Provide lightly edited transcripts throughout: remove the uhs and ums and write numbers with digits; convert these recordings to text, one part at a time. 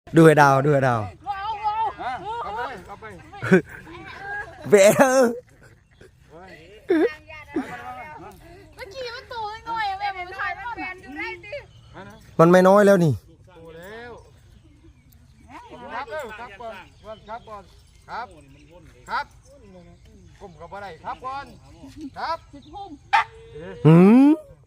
ดูให้ดาวดูให้ดาวเบลเมื่อกี้มันตัวน้อยแม่ผมถ่ายมันแฟนอยู่ได้ดิมันไม่น้อยแล้วนี่ครับครับก่อนครับก่อนครับครับกลุ่มกับอะไรครับก่อนครับหืม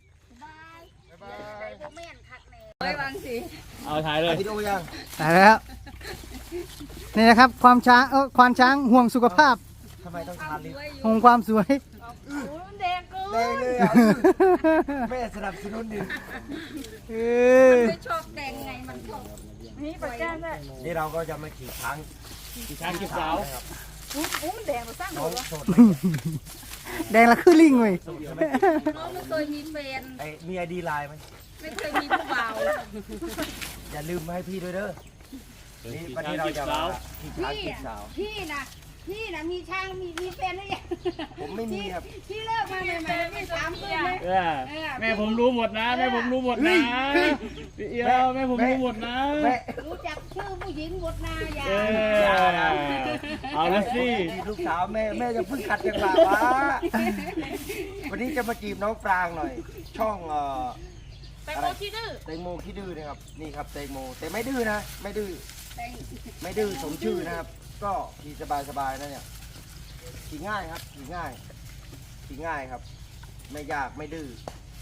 เอาถ่ายเลยวิดีโอยังตายแล้วนี่นะครับความช้างควานช้างห่วงสุขภาพทำไมต้องทานลิ้นห่วงความสวยมันแดงเกินแดงเลยอ่ะแม่สนับสนุนดิไม่ชอบแดงไงมันชอบนี่ไปแก้มได้นี่เราก็จะมาขี่ช้างกี่ช้างกี่สาวอู้มันแดงมาสร้างน้หัอวงโสดแดงละคือลิงเว้ยน้องไม่เคยมีแฟนไอ้มีไอดีไลน์ไหมไม่เคยมีผู้บ่าวอย่าลืมให้พี่ด้วยเด้อนี่วันนี้เราจะมาขี่ช้างพี่ขี่สาวพี่นะมีช่างมีแฟนหรือยังผมไม่มีครับพี่เลิกมาใหม่ๆไม่ถามเลยไหมแม่ผมรู้หมดนะแม่ผมรู้หมดนะพี่เอียวแม่ผมรู้หมดนะแม่รู้จักชื่อผู้หญิงหมดนาอย่าเอาละสิลูกสาวแม่จะเพิ่งขัดจังหวะวะวันนี้จะมาจีบน้องปรางหน่อย ช่องแตงโมที่ดื้อแตงโมขี้ดื้อนะครับนี่ครับแตงโมแต่ไม่ดื้อนะไม่ดื้อไม่ดื้อสมชื่อนะครับ ก็ขี่สบายๆนะเนี่ยขี่ง่ายครับขี่ง่ายขี่ง่ายครับ ไม่ยากไม่ดื้อ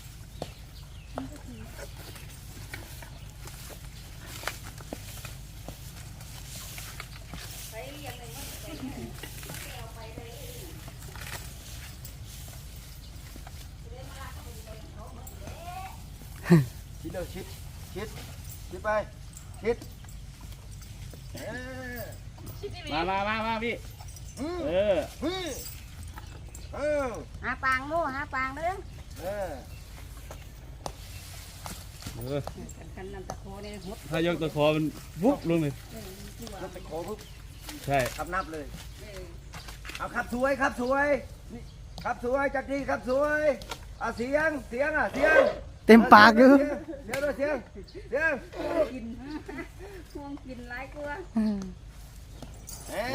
ชิดเลยชิดไปชิดมาพี่เออหาปางโม่หาปางเด้อกันนำตะโคเนี่ยหดถ้ายกตะคอมันวุบลงเลยรถไปโค้ปุ๊บใช่ขับนับเลยเอาขับสวยครับสวยขับสวยจัดดีครับสวยอ่ะเสียงเสียงเต็มปากอยู่เสียงด้วยเสียงกินห่วงกินหลายกลัวเอ็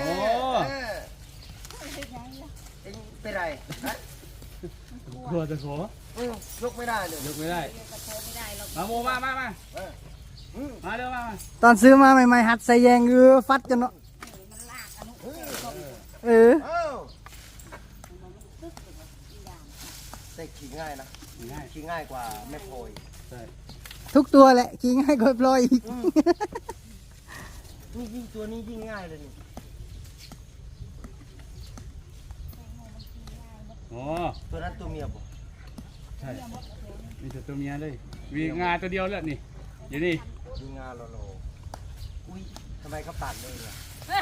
งเป็นไรกลัวตะคอยกไม่ได้เลยยกไม่ได้ตะโคไม่ได้หรอกมาโมมาเร็วมาตอนซื้อมาใหม่ๆหัดใส่แยงฟัดจนเนาะมันลากอนุเออแต่ขี่ง่ายนะง่ายขี่ง่ายกว่าแม่โพยใช่ทุกตัวแหละขี่ง่ายกว่าพลอยอีกนี่ยิ่งตัวนี้ยิ่งง่ายเลยนี่อ๋อตัวนั้นตัวเมียบ่ใช่มีแต่ตัวเมียเลยมีงาตัวเดียวแล้วนี่อยู่นี่ยิงงานโลอุ้ยทำไมเขาตัดเลยอ่ะ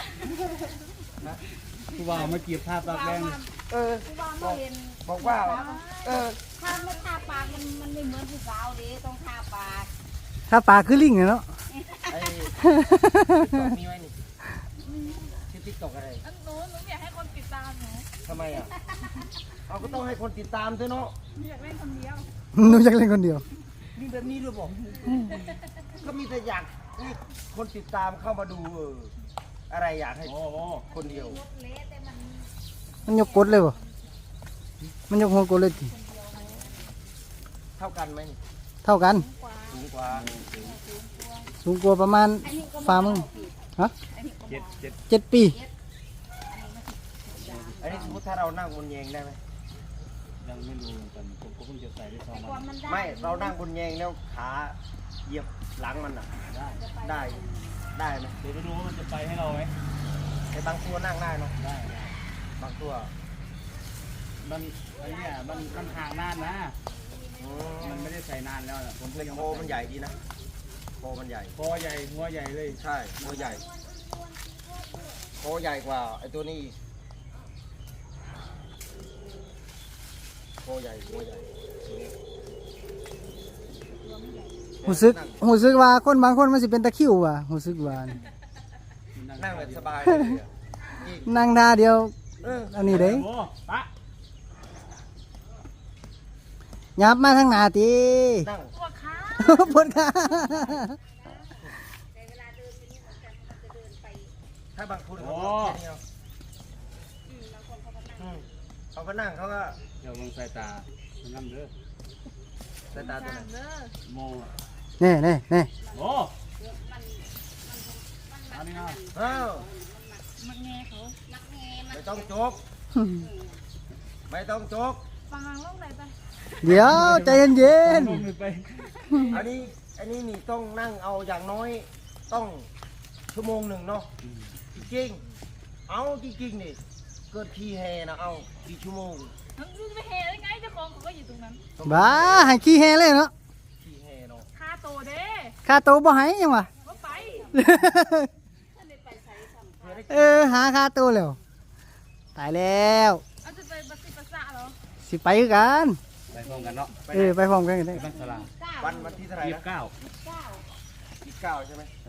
กูว่ามาเก็บภาพตากแดงผู้บ่าวมาเห็นบอกว่าถ้าไม่ทาปากมันไม่เหมือนผู้สาวดิต้องทาปากถ้าปากคือลิงอะเนาะไอ้มีไหมนี่ชื่อติ๊กตอกอะไรหนูอยากให้คนติดตามหนูทำไมอ่ะเราก็ต้องให้คนติดตามด้วยเนาะอยากเล่นคนเดียวหนูอยากเล่นคนเดียวมีแบบนี้ด้วยบอกก็มีแต่อยากให้คนติดตามเข้ามาดูอะไรอยากให้โอ้โหคนเดียวเละแต่มันมันยกกดเลยบ่มันยกหัวกดเลยทีเท่ากันไหมนี่เท่ากันสูงกว่าสูงกว่าประมาณฝ่ามือฮะ 7 7 ปีอันนี้สมมติถ้าเรานั่งบนแยงได้ไหมยังไม่รู้เหมือนกันผมก็เพิ่งจะใส่ได้2 ควาวัมนมันได้ไม่เรานั่งบนแยงแล้วขาเหยียบหลังมันอ่ะได้ได้ไหมเดี๋ยวไปดูว่ามันจะไปให้เราไหมแต่บางตัวนั่งได้เนาะได้บางตัวมันไอ้เนี่ยมันห่างนานนะ มันไม่ได้ใส่นานแล้วนะผมก็แต่ยังโคมันใหญ่ดีนะโคมันใหญ่คอใหญ่หัวใหญ่เลยใช่โคใหญ่โคใหญ่กว่าไอ้ตัวนี้อีกโคใหญ่หัวใหญ่ตัวนี้หูซึกว่าคนบางคนมันสิเป็นตะคริวว่ะหูซึกว่านี่นั่งแบบสบายเลยอะอีกนั่งท่าเดียวอันนี้เด้โอ้ปะยับมาทางหน้าตินั่งปวดขาปวดขาถ้าบางคนเขาโอ้ก็แค่นี้เอาเขาก็นั่งเขาก็เดี๋ยวมึงใส่ตามันน้ำเด้อสายตาตัวไหนโมนี่นี่นี่โอ้อันนี้นะอ้าวมักแง่เขามักแง่มันไม่ต้องโจกไม่ต้องโจกฟังลงไหนไปเดี๋ยวใจเย็นลงไปอันนี้นี่ต้องนั่งเอาอย่างน้อยต้องชั่วโมงหนึ่งเนาะจริงๆเอาจริงๆนี่เกิดขี้แห่นะเอากี่ชั่วโมงมันจะไปเฮได้ไงเจ้าของเขาก็อยู่ตรงนั้นๆบ้าให้ขี้แฮเลยเนาะขี้แห่เนาะค่าโตเด้ค่าโตวบ่ให้ยังวะว่าไปหาค่าโตวแล้วตายแล้วเอาจะไปบัสซิปัสสะเหรอสิไปคือกันไปพร้อมกันเนาะไปพร้อมกันก็ได้ไปบ้านสลาวันที่เท่าไหร่ยี่สินะบเก้า 29ใช่ไหมใช่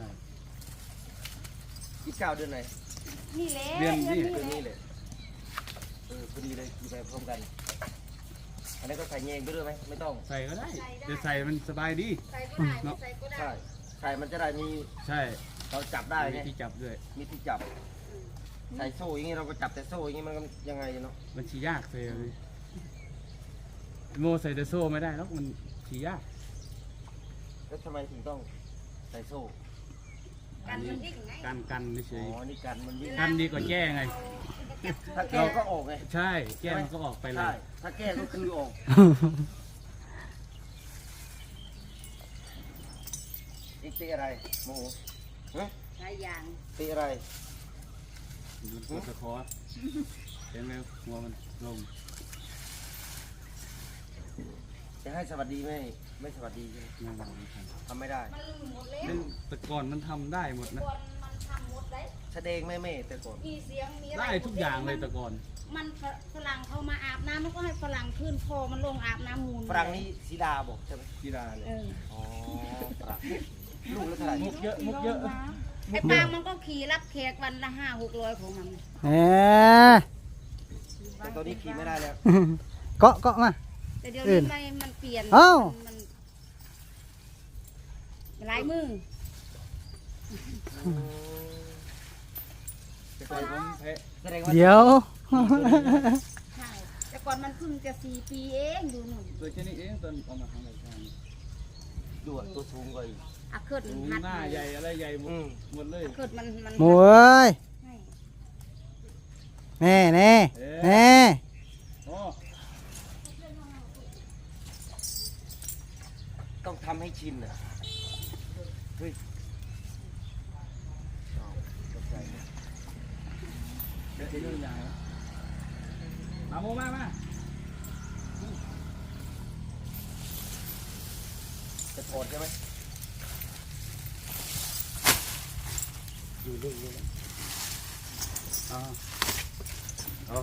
29เดือนไหนนี่แหละเดือนนี้เดือนนี้เลยพอดีเลยกี่ไปพร้อมกันอันนี้ก็ใส่เงงไปด้วยไหมไม่ต้องใส่ก็ได้เดี๋ยวใส่มันสบายดีใส่ก็ได้ไม่ใส่ก็ได้ใช่ใส่มันจะได้มีใช่เราจับได้มีไงที่จับด้วยมีที่จับใส่โซ่อย่างงี้เราก็จับแต่โซ่อย่างงี้มันก็ยังไงเนาะมันชี้ยากเลยโมใส่แต่โซ่ไม่ได้แล้วมันชี้ยากแล้วทำไมถึงต้องใส่โซ่กันมันดิ้งไงกันเฉอ๋ยอนี่กันมันวิ่งกันดีกว่าแก้ไงถ้าแก้ก็ออกไงใช่แก้มันก็ออกไปเลใช่ยถ้าแก้ก็คือออกอีกตีอะไรโมโหฮะหลายอย่างตีอะไรมันปวดตะคอเห็นไหมหัวมันลงจะให้สวัสดีไม่สวัสดีใช่ไหมไม่ได้ไม่ทันทำไม่ได้มันลืมหมดแล้วเรื่องแต่ก่อนมันทำได้หมดนะก่อนมันทำหมดได้แสดงไม่แต่ก่อนมีเสียงมีอะไรได้ทุกอย่างเลยแต่ก่อนมันฝรั่งเขามาอาบน้ำมันก็ให้ฝรั่งขึ้นคอมันลงอาบน้ำมูลฝรั่งนี่สีดาบอกใช่ไหมกีฬาเลยเอออ๋อฝรั่งลูกแล้วเท่าไหร่มุกเยอะมุกเยอะไอ้ปางมันก็ขี่รับแขกวันละ500-600ของมันแหมแต่ตอนนี้ขี่ไม่ได้แล้วเกาะมาแต่เดี๋ยวนี้มันเปลี่ยนอ้าวมันหลายมือแต่ก่อนผมแพ้แสดงว่าเดี๋ยวใช่แต่ก่อนมันเพิ่งจะ4 ปีเองดูหนุ่มตัวแค่นี้เองตอนเอามาทำรายการดูอะตัวสูงกว่าอีกอาเคิดมันหัดหน้าใหญ่อะไรใหญ่หมดอืมหมดเลยอาเคิดมันหมูเอ้ยให้แน่แน่แน่โอ้ต้องทำให้ชินอ่ะเฮ้ยอ้าวตกใจไหมเดี๋ยวเรื่องใหญ่มาโมมาจะถอดใช่ไหมอยู่นิ่งๆนะอ่าอ๋อ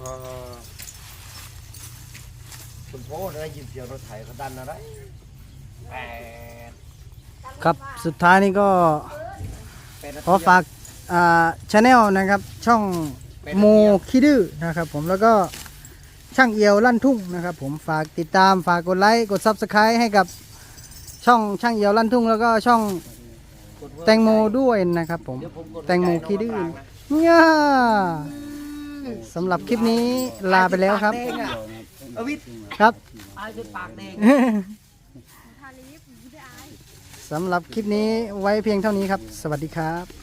คุณพ่อได้ยินเสียงรถไถเขาดันอะไรแปดครับสุดท้ายนี้ก็ 8 นาทีขอฝากชาแนลนะครับ ช่องโมคิดื้อนะครับผมแล้วก็ช่างเอียวลั่นทุ่งนะครับผมฝากติดตามฝากกดไลค์กด Subscribe ให้กับช่องช่างเอียวลั่นทุ่งแล้วก็ช่องกดเวิร์กแตงโมด้วยนะครับผมเดี๋ยวผมกดแตงโมคิดื้อหัวใจน้งมะปรางนะเนี่ยสำหรับคลิปนี้ลาไปแล้วครับปากแดงอะอวิทย์ครับอายจนปากแดงทาลีฟไม่ได้อายสำหรับคลิปนี้ไว้เพียงเท่านี้ครับ สวัสดีครับ